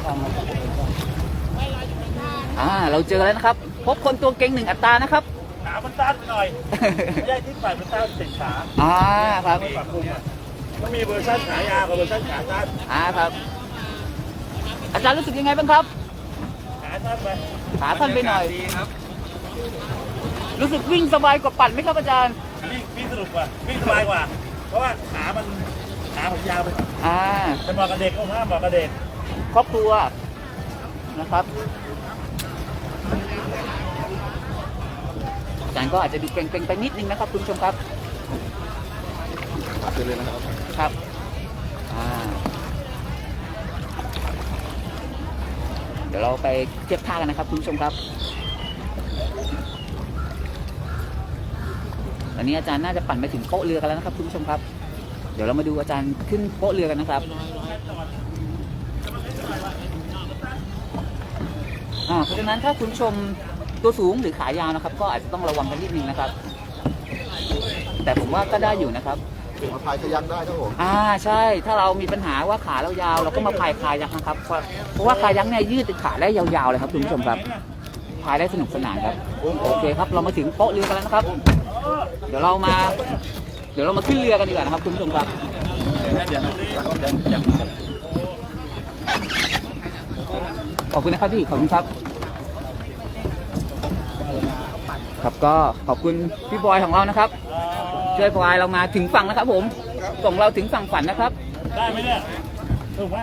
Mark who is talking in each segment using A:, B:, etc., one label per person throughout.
A: เราเจอแล้วนะครับพบคนตัวเก่ง1 อัตรานะครับ
B: ขามันสั้นหน่อยไม่ได้ที่ฝ่ายมันสั้นติดขา
A: ครับ
B: ปรับปรุงก็มีเวอร์ชันขายาวกับเวอร์ชันขาสั้น
A: ครับอาจารย์รู้สึกยังไงบ้างครับ
B: ขาสั้นไป
A: หน่อยรู้สึกวิ่งสบายกว่าปั่นไหมครับอาจารย์
B: วิ่งสนุกกว่าวิ่งสบายกว่าเพราะว่าขาผมยาวไปจะเหมาะกับเด็กก็เหมาะกับเด็ก
A: ครอบครัวนะครับอาจารย์ก็อาจจะดูเกร็งๆไปนิดนึงนะครับคุณผู้ชมครับ
C: เลยนะครับ
A: ครับเดี๋ยวเราไปเทียบท่ากันนะครับคุณผู้ชมครับตอนนี้อาจารย์น่าจะปั่นไปถึงโป๊ะเรือกันแล้วนะครับคุณผู้ชมครับเดี๋ยวเรามาดูอาจารย์ขึ้นโป๊ะเรือกันนะครับเพราะฉะนั้นถ้าคุณผู้ชมตัวสูงหรือขายาวนะครับก็อาจจะต้องระวังกันนิดนึงนะครับแต่ผมว่าก็ได้อยู่นะครับ
C: มาพายคายักได้ครับผม
A: ใช่ถ้าเรามีปัญหาว่าขาเรายาวเราก็มาพายคายักนะครับเพราะว่าคายักเนี่ยยืดขาได้ยาวๆเลยครับคุณผู้ชมครับพายได้สนุกสนานครับโอเคครับเรามาถึงโป๊ะเรือกันแล้วนะครับเดี๋ยวเรามาขึ้นเรือกันดีกว่านะครับคุณผู้ชมครับขอบคุณนะครับพี่ขอบคุณครับครับก็ขอบคุณพี่บอยของเรานะครับช่วยพายเรามาถึงฝั่งนะครับผมส่งเราถึงฝั่งฝันนะครับ
B: ได้ไหมเนี่ยถูกไหม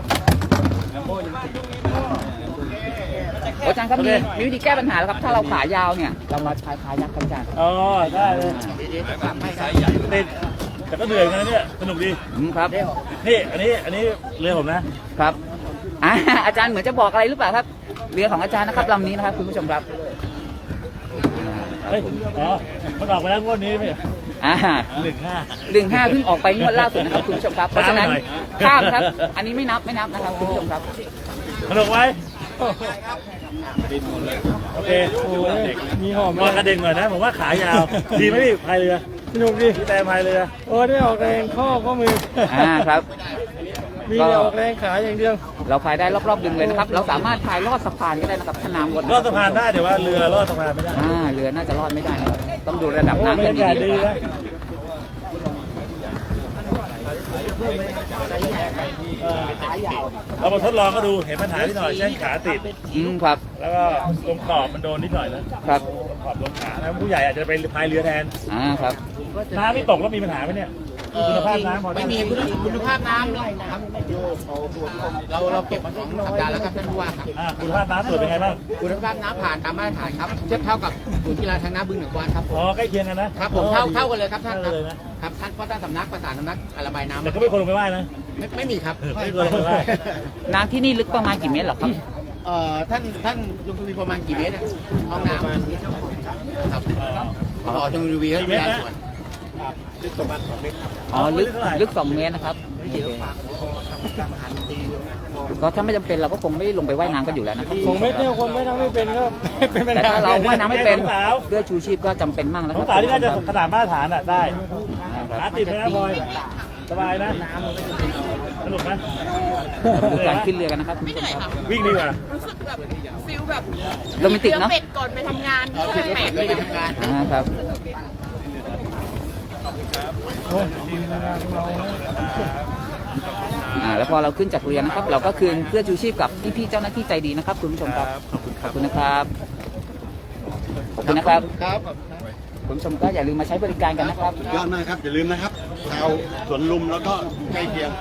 A: อาจารย์ครับมีวิธีแก้ปัญหาแล้วครับถ้าเราขายาวเนี่ยเรามาใช้ขายักษ์กันอาจารย์
B: ได้เลยติดแต่ก็เหนื่อยนะเนี่ยสนุกดี
A: ครับ
B: นี่อันนี้เรือผมนะครับ
A: อาจารย์เหมือนจะบอกอะไรหรือเปล่าครับเรือของอาจารย์นะครับลำนี้นะครับคุณผู้ชมครับ
B: มันออกไปแล้วงวดนี้ไหม15เ
A: พิ่งออกไปงวดล่าสุดนะครับคุณผู้ชมครับเพราะฉะนั้นข้ามครับอันนี้ไม่นับนะครับคุณผู้ชมครับ
B: สนุกไหมโอเคมีหอมมากระเด็นหน่อยนะผมว่าขายาวดีไหมพี่พายเรือสนุกดีแต่พายเรือ
D: ได้ออกแรงข้อมือ
A: ครับ
D: มีออกแรงขาอย่างเดียว
A: เราพายได้รอบๆดึงเลยนะครับเราสามารถพายลอดสะพานก็ได้นะครับถ้าน้ำลด
B: ลอดสะพานได้แต่ว่าเรือลอดสะพานไม่ได้
A: เรือน่าจะลอดไม่ได้นะครับต้องดูระดับน้ำ
B: เป็นดีนะเรามาทดลองก็ดูเห็นปัญหาที่หน่อยเช่นขาติด
A: ครับ
B: แล้วก็ตรงขอบมันโดนนิดหน่อยนะครับขอบลงขาแล้วผู้ใหญ่อาจจะไปพายเรือแทน
A: ครับ
B: น้ำไม่ตกแล้วมีปัญหาไหมเนี่ยคุณภาพน้ำ
E: ไม่มีคุณภาพน้ำเลยนะครับเราเก็บมา2 สัปดาห์แล้วครับท่านผู้ว่าครับ
B: คุณภาพน้ำตรวจเป็นไงบ้าง
E: คุณภาพน้ำผ่านตามมาตรฐานครับเทียบเท่ากับศูนย์กีฬาทางน้ำบึงหนองกวานครับ
B: ใกล้เคียงกันนะครับ
E: ผมเท่ากันเลยครับท่านครับท่านเพราะท่านสำนักประสานสำนักระบายน้ำ
B: แต่ก็ไม่ควรลงไปว่ายนะ
E: ไม่มีครับ
B: ไม่ควรลงไปว่าย
A: น้ำที่นี่ลึกประมาณกี่เมตรหรอครับ
E: ท่านลงทุนประมาณกี่เมตรห้องน้ำครับจงรีวิวให้ดูส่วน
B: ลึกประมาณ2 เมตร
A: ลึก2 เมตรนะครับก็ถ้าไม่จำเป็นเราก็คงไม่ลงไปว่ายน้ำกันอยู่แล้วนะครับ
D: 2 เมตรเนี่ยคนว่ายน้ำไม่เป็นก็เป็น
A: แต่ถ้าเราว่ายน้ำไม่เป็นเสื้อชูชีพก็จำเป็นมากนะครับ
B: สาวที่น่าจะขนาดมาตรฐานได้ขาติดนะพลอยสบายนะสนุกไหม
A: การขึ้นเรือกันนะครับคุณผู้ชมครับ
B: วิ่งดีกว่า
F: รู้สึกแบบฟิลแบบ
A: โรแมนติกเนาะ
F: เป็ดก่อนไปทำงาน
E: เป็ดไปทำงาน
A: ครับแล้วพอเราขึ้นจากเรือนะครับเราก็คืนเสื้อชูชีพกับพี่ๆเจ้าหน้าที่ใจดีนะครับคุณผู้ชมครับขอบคุณนะครับขอบคุณนะครับคุณผู้ชมก็อย่าลืมมาใช้บริการกันนะครับ
C: ยอดมากครับอย่าลืมนะครับชาวสวนลุมแล้วก็ใกล้เคียง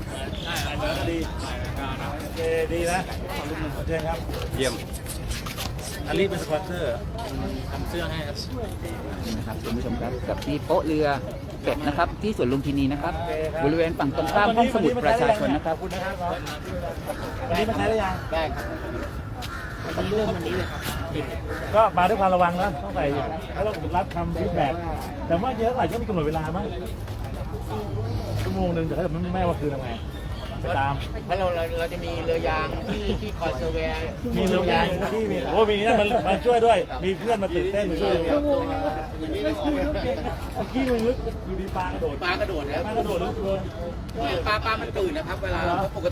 B: ดีนะเชิญครับ
C: เยี่ยม
B: อันนี้เป็นสปอนเซอร์
E: ทำเสื้อให้ครับ
A: นะครับคุณผู้ชมครับกับที่โป๊ะเรือเป็ดนะครับที่สวนลุมพินีนะครับบริเวณฝั่งตรงข้ามห้องสมุดประชาชนนะครับ
B: วันนี้มาใช้ได้ยัง
E: ได้ครับวันนี้เริ่มวันนี้เลยครับ
B: ก็มาด้วยความระวังนะต้องใส่แล้วเรารับคำฟีดแบ็กแต่ว่าเยอะหน่อยก็มีกำหนดเวลามั้งชั่วโมงนึงแต่ถ้าไม่ว่าคือทำไงไปตาม
E: แล้วเราจะมีเรือยางที่คอยเซอร์เวย์
B: มีเรือยางที่มีมีนั่นมาช่วยด้วยมีเพื่อนมาตื่นเต้นมาช่วยเมื่อกี้มันลึกอยู่ดีปลากระโดด
E: แล้ว
B: ปลากระโดดลึกเลย
E: ปลามันตื่นนะครับเวลาปก